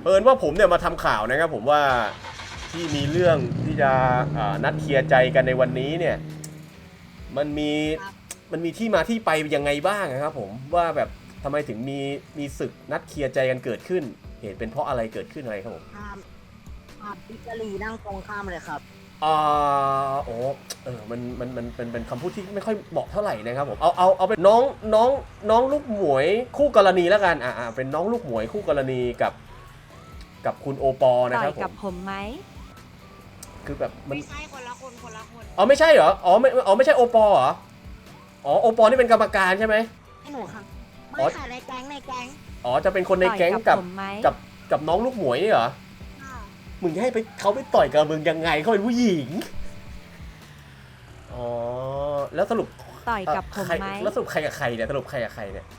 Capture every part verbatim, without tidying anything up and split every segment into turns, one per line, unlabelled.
เอิญว่าผมเนี่ยมาทำข่าวนะครับผมว่าที่มีเรื่องที่จะนัดเคลียร์ใจกันในวันนี้เนี่ยมันมีมันมีที่มาที่ไปยังไงบ้างนะครับผมว่าแบบทำไมถึงมีมีศึกนัดเคลียร์ใจกันเกิดขึ้นเหตุเป็นเพราะอะไรเกิดขึ้นอะไรครับผม
ข้ามข้ามอิตาลีนั่งตรงข้ามเลยครับ
อ่าโอ้เออมันมันมันเป็นเป็นคำพูดที่ไม่ค่อยเหมาะเท่าไหร่นะครับผมเอาเอาเอาเป็นน้องน้องน้องลูกหมวยคู่กรณีแล้วกันอ่าอ่าเป็นน้องลูกหมวยคู่กรณีกับกับคุณโอปอนะครับผม
กับผมไหม
คือแบบมัน
ไม่ใช่คนละคนคนละคน
อ๋อไม่ใช่เหรออ๋อไม่อ๋อไม่ใช่โอปอเหรออ๋อโอปอนี่เป็นกรรมการใช่ไหม
ให้หนูค่ะไม่ค่ะในแก๊งในแก๊ง
อ๋อจะเป็นคนในแก๊งกับกับกับน้องลูกหมวยนี่เหรอมึงจะให้ไปเขาไปต่อยกับมึงยังไงเขาเป็นผู้หญิงอ๋อแล้วสรุป
ต่อยกับผมไหม
แล้วสรุปใครกับใครเนี่ยสรุปใครกับใครเนี่ย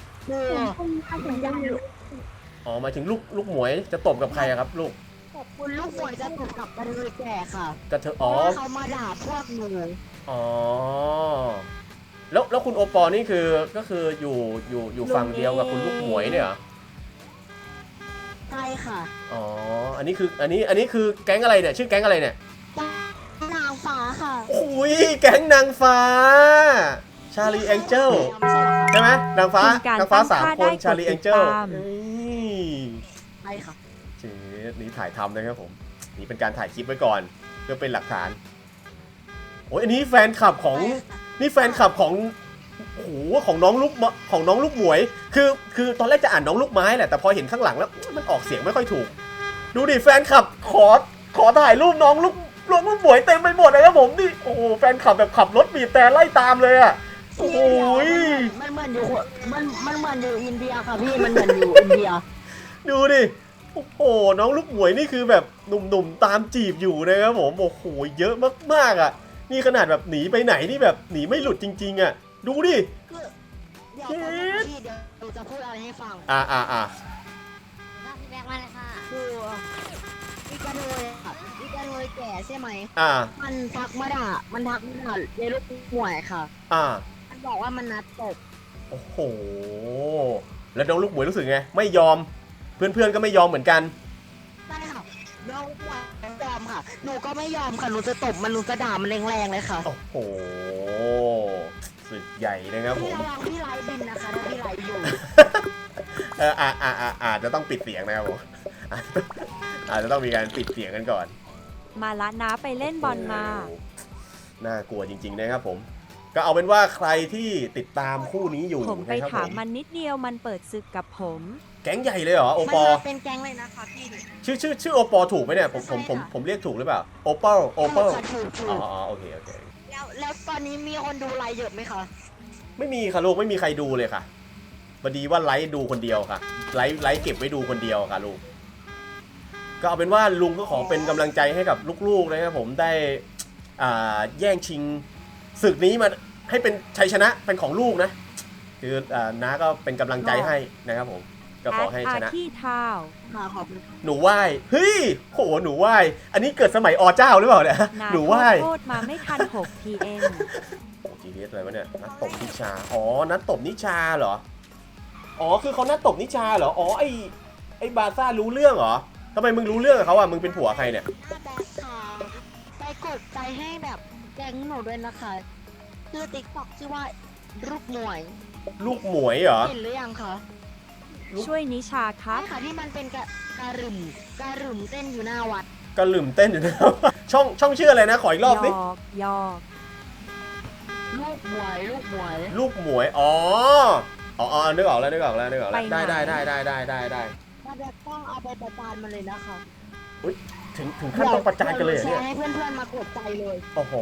อ๋อหมายถึงลูกลูกหมวยจะตบกับใครครับลูก
คุณลูกหมวยจะตบกับกระเทยแก่ค่ะ
กระเทยอ๋อ
เขามาด่าพวกหนู
อ๋อแล้วแล้วคุณโอปอนี่คือก็คืออยู่อยู่อยู่ฝั่งเดียวกับคุณลูกหมวยเนี่ยเหรอ
ใช่ค่ะ
อ๋ออันนี้คืออันนี้อันนี้คือแก๊งอะไรเนี่ยชื่อแก๊งอะไรเนี่ย
นางฟ้าค่ะ
อุ้ยแก๊งนางฟ้าชาลีแองเจิลใช่ไหมนางฟ้านางฟ้าสามคนชาลีแองเจิล
ใช่ค่ะ
เจ๊นี่ถ่ายทำนะครับผมนี่เป็นการถ่ายคลิปไว้ก่อนเพื่อเป็นหลักฐานโอ้ยอันนี้แฟนคลับของนี่แฟนคลับของโอ้โหของน้องลูกของน้องลูกหมวยคือคือตอนแรกจะอ่านน้องลูกไม้แหละแต่พอเห็นข้างหลังแล้วมันออกเสียงไม่ค่อยถูกดูดิแฟนคลับขอขอถ่ายรูปน้องลูกลูกหมวยเต็มไปหมดเลยครับผมนี่โอ้โหแฟนคลับแบบขับรถบีบแต่ไล่ตามเลยอ่ะโอ้โห
มันเหมือนอยู่มันมันเหมือนอยู่อินเดียค่ะพี่มันเหมือนอยู่อินเดีย
ดูดิโอ้โหน้องลูกหมวยนี่คือแบบหนุ่มๆตามจีบอยู่นะครับผมโอ้โหเยอะมากๆอ่ะนี่ขนาดแบบหนีไปไหนนี่แบบหนีไม่หลุดจริงๆอ่ะดูดิ
เดี๋ยวพี่เดี๋ยวจะพูดอะไรให้ฟัง
อ่าอ่าอ่า
พี่แบกมาเลยค่ะคืออีกระเทยค่ะอีกระเทยแก่ใช่ไหม
อ่า
มันทักมาด่ามันทักมาด่าเยลูกหมวยค่ะ
อ่า
มันบอกว่ามันนัดตบ
โอ้โหแล้วน้องลูกหมวยรู้สึกไงไม่ยอมเพื่อนๆก็ไม่ยอมเหมือนกัน
ใช่ค่ะน้องหมวยไม่ยอมค่ะหนูก็ไม่ยอมค่ะหนูจะตบมันหนูจะด่ามันแรงๆเลยค่ะ
โอ้โหสุดใหญ่นะครับผม
พี่ไลฟ์บินนะคะถ้าพี่ไลฟ์อยู่
เอออ่าอ่าอ่าอาจจะต้องปิดเสียงนะครับผมอาจจะต้องมีการปิดเสียงกันก่อน
มาละนะไปเล่นบอลมา
น่ากลัวจริงๆนะครับผมก็เอาเป็นว่าใครที่ติดตามคู่นี้อยู่
ผมไปถามมันนิดเดียวมันเปิดศึกกับผม
แก๊งใหญ่เลยเหรอโอปอ
เป็นแก๊งเลยนะคะพี่
ชื่อชื่อชื่อโอปอถูกไหมเนี่ยผมผมผมผมเรียกถูกหรือเปล่าโอปอลโอปอลอ๋อโอเคโอเค
แล้วแล้วตอนนี้มีคนดูไลฟ์เยอะไหมคะ
ไม่มีค่ะลูกไม่มีใครดูเลยค่ะพอดีว่าไลฟ์ดูคนเดียวค่ะไลฟ์ไลฟ์เก็บไว้ดูคนเดียวค่ะลูกก็เอาเป็นว่าลุงก็ขอเป็นกำลังใจให้กับลูกๆนะครับผมได้อ่าแย่งชิงศึกนี้มาให้เป็นชัยชนะเป็นของลูกนะคืออ่าน้าก็เป็นกำลังใจให้นะครับผมก็ขอให้ชนะ
ที่เท้า
หนูไหว้เฮ้ยโหหนูไหว้อันนี้เกิดสมัยอเจ้าหรือเปล่าเนี่ยหนูไหว้
โทษมาไม่ทันหก พี เอ็ม
โอ้จีเอสอะไรวะเนี่ยนัดตบนิชาอ๋อนัดตบนิชาเหรออ๋อคือเขานัดตบนิชาเหรออ๋อไอไอบาซ่ารู้เรื่องเหรอทำไมมึงรู้เรื่องกับเขาอ่ะมึงเป็นผัวใครเนี่ย
ไปกดใจให้แบบแก๊งหนูด้วยนะคะชื่อติ๊กต็อกชื่อว่าลูกหมวย
ลูกหมวยเหรอ
เห็นหรือยังคะ
ช่วยนิชาครับ
ใช่ค่ะที่มันเป็นกระการึมการึมเต้นอยู่หน้าวัด
กระหึ่มเต้นอยู่หน้าช่องช่องชื่ออะไรนะขออีกรอบสิ
ยอก
ลูกหมวยลูกหมวย
ลูกหมวยอ๋ออ๋อนึกออกแล้วนึกออกแล้วนึกออกแล้วได้ได้ได้ได้ได้ได้ได้
มาแบบต้องเอาไปประจานมันเลยนะคะ
อุ้ยถึงถึงขั้นต้องประจานกันเลยเนี่ย
ให้เพื่อนๆมากดใจเลย
โอ้โห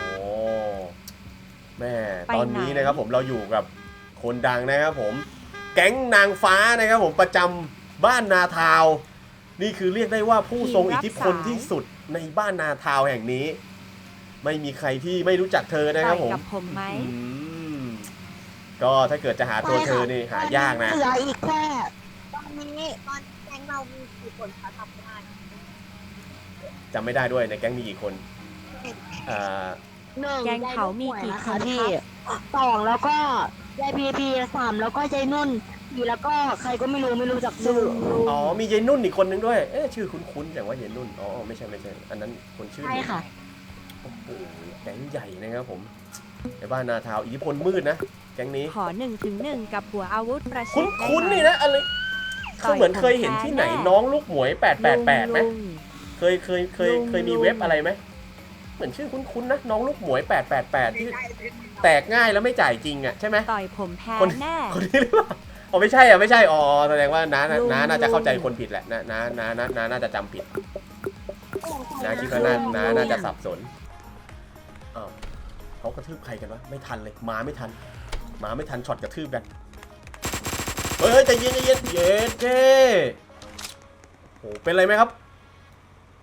แม่ตอนนี้นะครับผมเราอยู่กับคนดังนะครับผมแก๊งนางฟ้านะครับผมประจำบ้านนาทาวนี่คือเรียกได้ว่าผู้ทรงอิทธิพลที่สุดในบ้านนาทาวแห่งนี้ไม่มีใครที่ไม่รู้จักเธอนะครับผม
กับผมไหม
ก็ถ้าเกิดจะหาตัวเธอนี่หายากนะ
เหลืออีกแค่ตอนนี้ตอนแก๊งเรามีกี่คนคะทำได้
จำไม่ได้ด้วยในแก๊งมีกี่คนอ่า
แก๊งเขามีกี่คน
ที่สองแล้วก็ยายพีพีสามแล้วก็ยายนุ่นทีแล้วก็ใครก็ไม่รู้ไม่รู้จักชื่อ
อ๋อมีเยนนุ่นอีกคนนึงด้วยเอ๊ะชื่อคุ้นๆอย่างว่าเยนนุ่นอ๋อไม่ใช่ไม่ใช่อันนั้นคนชื่อ
ใช่ค่ะ
โอ้โหแก๊งใหญ่นะครับผมในบ้านนาทาวอิทธิพลมืดนะแก๊งนี้
ขอหนึ่งถึงหนึ่งกับหัวอาวุธประชิ
คุ้
ด
น
ได้
คุ้น
ไหม
นี่นะอะไรคือเหมือนเคยเห็นที่ไหนน้องลูกหมวยแปดแปดแปดไหม
ลุง
เคยเคยเคย
ลุง
เคยมี
ลุง
เว็บอะไรไหมเหมือนชื่อคุ้นๆนะน้องลูกหมวยแปดแปดแปดที่แตกง่ายแล้วไม่จ่ายจริงอ่ะใช่ไหม
ต่อยผมแพ้
คน
แน่
คนนี้หรือเปล่าอ๋อไม่ใช่อ่ะไม่ใช่อ๋อแสดงว่าน้าน้า
ลุง
น้าน่าจะเข้าใจ
ลุง
คนผิดแหละน้าน้าน้าน้าน้าน่าจะจำผิดน้าคิดว่าน้าน้าน่าจะสับสนอ้าวเขากระทืบใครกันวะไม่ทันเลยมาไม่ทันมาไม่ทันช็อตกระทืบกันเฮ้ยเฮ้ยใจเย็นใจเย็นเย็นเจ้โอ้เป็นไรไหมครับ